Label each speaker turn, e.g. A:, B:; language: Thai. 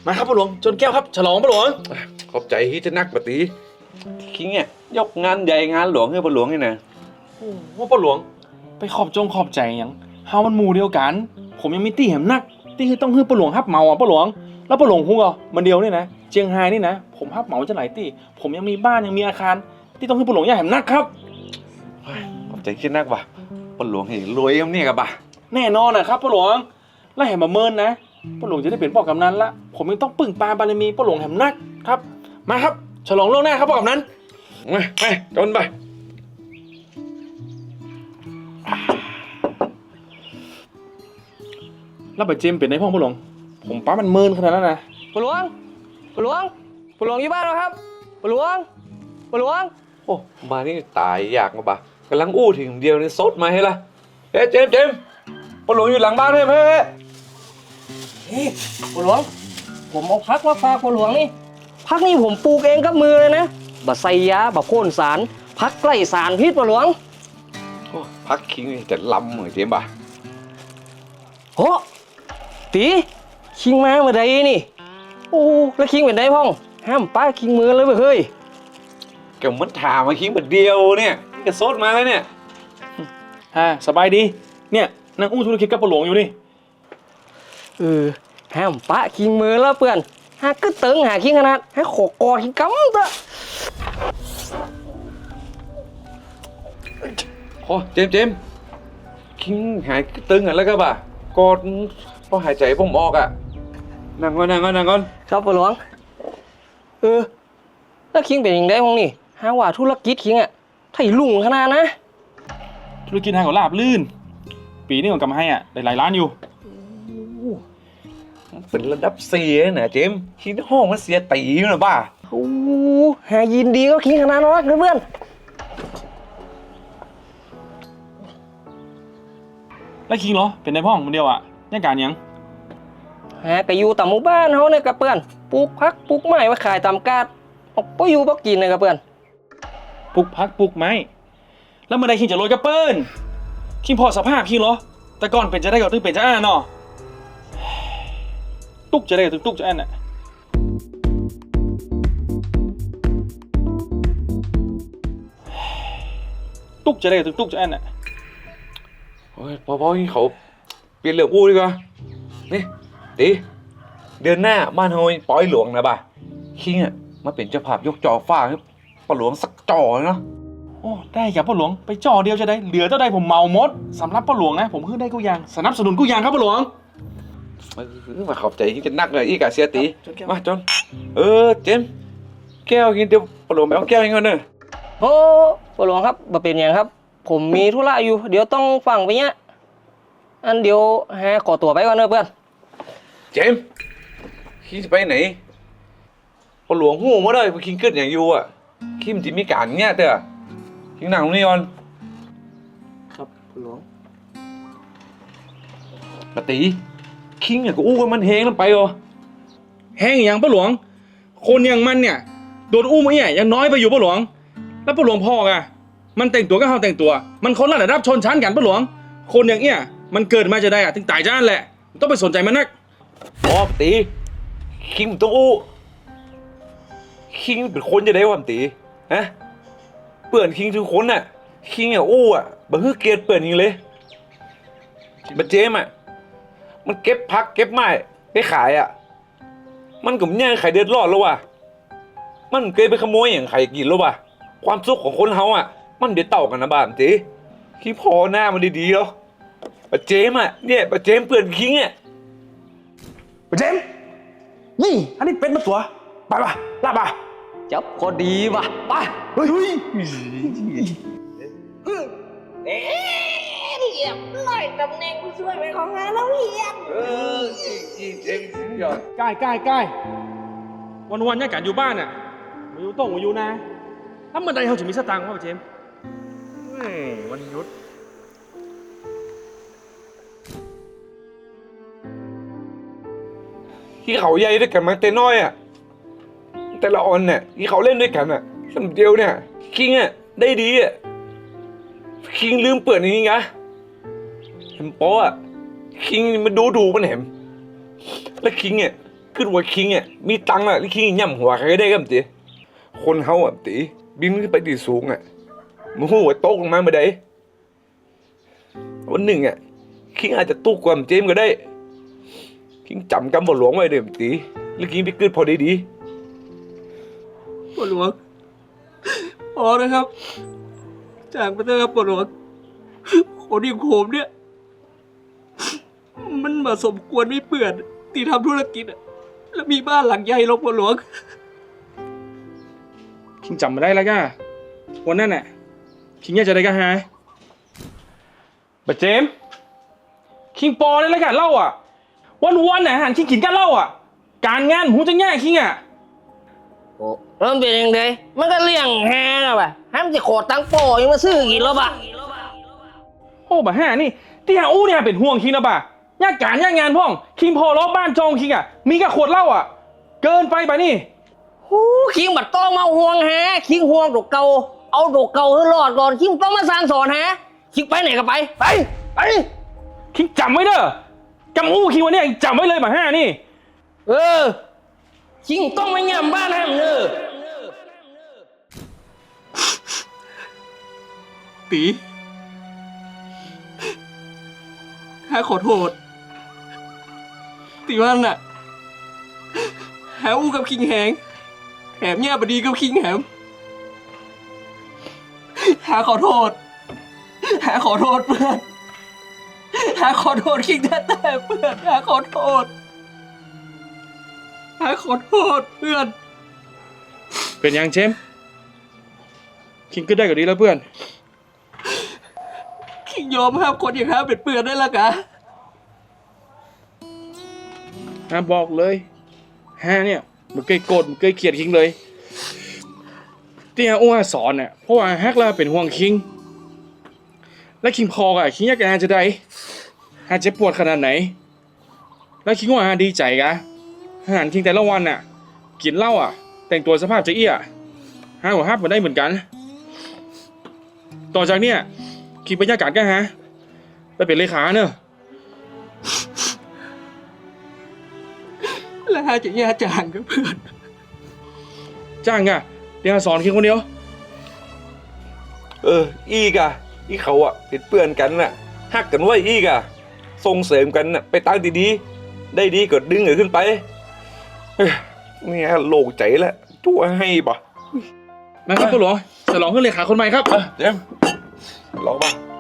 A: มาครับพ่อหลวงจนแก้วครับฉลองพ่อหลวง
B: ขอบใจที่จะนักปฏิคิงเนี่ยยกงานใหญ่งานหลวงให้พ่อหลวงนี่นะ
A: ว่าพ่อหลวงไปขอบใจยังเฮามันหมู่เดียวกันผมยังมีตี้แหมนักตี้ต้องให้พ่อหลวงฮับเหมาอ่ะพ่อหลวงแล้วพ่อหลวงฮู้อ่ะมันเดียวนี่นะเจียงไฮ้นี่นะผมฮับเหมาจะหลายตี้ผมยังมีบ้านยังมีอาคารที่ต้องให้พ่อหลวงอย่าแหมนักครับ
B: ขอบใจคิดนักว่ะพ่อหลวงเห็นรวยกับเนี่ยกับบ่ะ
A: แน่นอนนะครับพ่อหลวงแล้วแหมมาเมินนะพ่อหลวงจะได้เป็นพ่อกำนันละผมยังต้องปึ่งปาบารมีพ่อหลวงแหมนักครับมาครับฉลองล่วงหน้าครับพ่อกำนัน
B: ไปจนไป
A: แล้วไปเจมเป็นในห้องพ่อหลวงผมป้ามันเมินขนาดนั้นนะ
C: ปู่หลวงอยู่บ้านเหรอครับปู่หลวง
B: โอ้มานี่ตายอยากมาบ่ะกำลังอู้ถึงเดียวนี่ซดมาให้ละเฮ้เจมพ่อหลวงอยู่หลังบ้านเฮ้
C: นี่ปู่หลวงผมเอาพักมาฝากปู่หลวงนี่พักนี่ผมปลูกเองกับมือเลยนะบะไซยาบะโค่นสารพักใกล้สารพิษปู่หลวง
B: พักคิงนี่แต่ลำเหมือนเจมบ่ะ
C: โหตีคิงมาเมื่อใดนี่โอ้แล้วคิงเป็นไงพ่องห้ามป้าคิงมือเลยเฮ้ย
B: แกมันถามมาคิงแบบเดียวเนี่ยก็ซดมาแล้วเนี่ย
A: สบายดีเนี่ยนั่งอู้ธุรกิจกับพ่อหลวงอยู่นี่
C: ห้ามป้าคิงมือแล้วเพื่อนหาก็เติงหาคิงขนาดให้ขอกอคิงกำเถอะ
B: โอ้เจมคิงหายตึงอ่ะแล้วก็บ่ะกอดพอหายใจผมออกอ่ะนั่งก่อน
C: ครับปู่หลวงแล้วคิงเป็นยังไงพ้องนี่หาว่าธุรกิจคิงอ่ะไถ่ลุงขนาดนะ
A: ธุรกิจทางของลาบลื่นปีนี้ผมกำให้อ่ะได้หลายล้านอยู่
B: เป็นระดับเสียนะเจมคิงห้องมันเสียตีอยู่นะบ้า
C: โอ้หายินดีก็คิงขนาดนั้นนะเพื่อน
A: แล้วคิงเหรอเป็นในห้องคนเดียวอ่ะยังการยัง
C: ก็อยู่ตามหมู่บ้านเขาเนี่ยกับเพื่อนปลูกผักปลูกไม้ไว้ขายตามกาดออกไปอยู่บ่กินเลยกับเพื่อน
A: ปลูกผักปลูกไม้แล้วเมื่อใดคิงจะโรยกระเปิ้ลคิงพอสภาพคิงเหรอแต่ก่อนเป็นจะได้กับตึ้งเป็นจะเนาะตุ๊กจะได้กับตุ๊กจะน่ะตุ๊กจะได้กับตุ๊กจะน่ะ
B: โอ้ยพอที่เขาเปลี่ยนเรื่องอู้ดีกว่านี่ดีเดือนหน้าบ้านเฮาปล่อยหลวงนะบ่าคิงอ่ะมาเป็นเจ้าภาพยกจอฟ้าให้พ่อหลวงสักจอเนาะ
A: โอ้ได้ครับพ่อหลวงไปจอเดียวจะได้เหลือเท่าใดผมเมาหมดสำหรับพ่อหลวงนะผมขึ้นได้กูยังสนับสนุนกูยังครับพ่อหลวง
B: มาขอบใจที่จะนักเลยอีกาเสียตีมาจนเจมแก้วกินเดี๋ยวพ่อหลวงไปเอาแก้วให้ก่อนเนอะ
C: โอ้ปู่หลวงครับบ่เป็นอย่างครับผมมีธุระอยู่เดี๋ยวต้องฟังไปเนี้ยอันเดี๋ยวขอตัวไปก่อนเนอะเพื่อน
B: เจมคิงจะไปไหนพ่อหลวงหูมาเลยคิงเกิดอย่างอยู่อ่ะคิมจะมีการเงี้ยเด้อคิงนั่งตรงนี้ก่อน
C: ครับพ่อหลวง
B: ปฏิคิงเนี่ยก็อู้กันมันเฮงแล้วไปเหรอ
A: แห้งอย่างพ่อหลวงคนอย่างมันเนี่ยโดนอู้มาเนี่ยยังน้อยไปอยู่พ่อหลวงแล้วพ่อหลวงพ่อไงมันแต่งตัวก็เขาแต่งตัวมันคนละระดับชนชั้นกันพ่อหลวงคนอย่างเนี้ยมันเกิดมาจะได้อะถึงตายจ้านแหละต้องไปสนใจมันนัก
B: ปฏิคิงต้องอู้คิงเป็นคนจะได้วะตีฮะเปื่อนคิงทุกคนน่ะคิงอ่ะอู้อ่ะบ่ฮือเกียรติเปื่อนยิงเลยบัดเจมอ่ะมันเก็บพักเก็บไม้ไปขายอ่ะมันก็ไม่ใครเดือดร้อนแล้วว่ะมันเคยไปขโมยอย่างใครกินแล้วว่ะความสุขของคนเฮาอ่ะมันเดือดเต่ากันนะบ้านตีคิดพอหน้ามันดีๆแล้วบัดเจมอ่ะเนี่ยบัดเจมเปื่อนคิงอ่ะ
A: บัดเจมนี่อันนี้เป็นมาตัวไปป่ะลาป่ะ
C: จับพอดีว่ะไป
A: เฮ้ย
D: เรียบร้อยตำแหน่งผู้ช่วยเป็นของงานแล้วเฮียน
B: เจ๋งสุดยอด
A: ใกล้วันเนี่ยการอยู่บ้านอ่ะมาอยู่ต้องมาอยู่นะแล้วเมื่อใดเขาจะมีสตางค์วะเจมวันหยุด
B: ที่เขาใหญ่ด้วยกันมาแต่น้อยอ่ะแต่ละออนเนี่ยที่เขาเล่นด้วยกันอ่ะสำเดียวเนี่ยคิงอ่ะได้ดีอ่ะคิงลืมเปิดนี่ไงเห็นโป๊ะคิงมันดูมันเห็นแล้วคิงเนี่ยขึ้นว่าคิงอ่ะมีตังค์อ่ะที่คิงย่ำหัวใครก็ได้ครับตีคนเฮาอ่ะตีบินขึ้นไปที่สูงอ่ะมูหัวตกลงมาเมื่อใดวันหนึ่งอ่ะคิงอาจจะตุกกว่าเจมก็ได้คิงจำกำบ่หลวงไว้เด้อตีหรือคิงไปเกิดพอดี
C: ปวดหลวงพอนะครับจากไปเถอะครับปวดหลวงคนอย่างผมเนี่ย มันมาสมควรไม่เปื่อนที่ทำธุรกิจอะแล้วมีบ้านหลังใหญ่หรอกปวดหลวง
A: คิงจำมาได้แล้วก้าวันนั้นน่ะคิงอยากจะได้ก้าฮะบัดเจมส์คิงปอได้แล้วกันเล่าอ่ะวันๆน่ะหันคิงกินกันเล่าอ่ะการงานหูจะแง่คิงอ่ะ
C: โอ้แล้วมันเป็นยังไงมันก็เลี้ยงแฮนะว่ะห้ามจะขอตังค์โปยังมาซื้อกี่รอบอะ
A: โอ้บ่ห่านี่ที่หาอู้เนี่ยเป็นห่วงคิงนะบ่ะยากการยากงานพ่องคิงพอล้อบ้านจองคิงอ่ะมีแค่ขวดเหล้าอ่ะเกินไปป่ะนี่
C: โอ้คิงบัดต้องมาห่วงแฮคิงห่วงดอกเก่าเอาดอกเก่าให้รอดก่อนคิงต้องมาสร้างสอนแฮคิงไปไหนก็ไปไป
A: คิงจำไว้เด้อจำอู้คิงวันเนี้ยจำไว้เลยบ่ห่านี่
C: คิงต้องไม่ย่ำบ้านห้ามเนอตีข้าขอโทษตีวันน่ะแฮอู้กับคิงแหงแหมเนี่ยบดีกับคิงแหมหาขอโทษหาขอโทษเพื่อนหาขอโทษคิงแต่เพื่อนหาขอโทษหาขอโทษเพื่อน
A: เป็นยังเชมคิงก็ได้กว่านี้แล้วเพื่อน
C: คิงยอมห้ามคนอย่างห้ามเป็นเพื่อนได้ละกะ
A: บอกเลยฮะเนี่ยมันเคยโกรธมันเคยเกลียดคิงเลยที่ฮะอ้วนสอนเนี่ยเพราะว่าฮักแล้วเป็นห่วงคิงและคิงพออะคิงอยากจะได้ฮะเจ็บปวดขนาดไหนแล้วคิงว่าฮะดีใจกะอาหารคิงแต่ละวันน่ะกินเหล้าอ่ะแต่งตัวสภาพจะเอี้ยฮะหัวฮับมันได้เหมือนกันต่อจากเนี่ยคิงบรรยากาศกันฮะไปเป็นเลขาเนอะ
C: แล้วหาจะแย่จางกับเพื่อน
A: จ้างอะเดี๋ยวสอนคิงคนเดียว
B: อีกอ่ะอีเขาอ่ะเป็นเพื่อนกันน่ะฮักกันไว้อีกอ่ะส่งเสริมกันน่ะไปตั้งดีๆได้ดีก็ดึงเอขึ้นไปเนี่ยโล่งใจแล้วชั่วให้ปะ
A: มาครับคุณหลวงฉลองขึ้นเลขาคนใหม่ครับ
B: เจมส์ลองป่ะ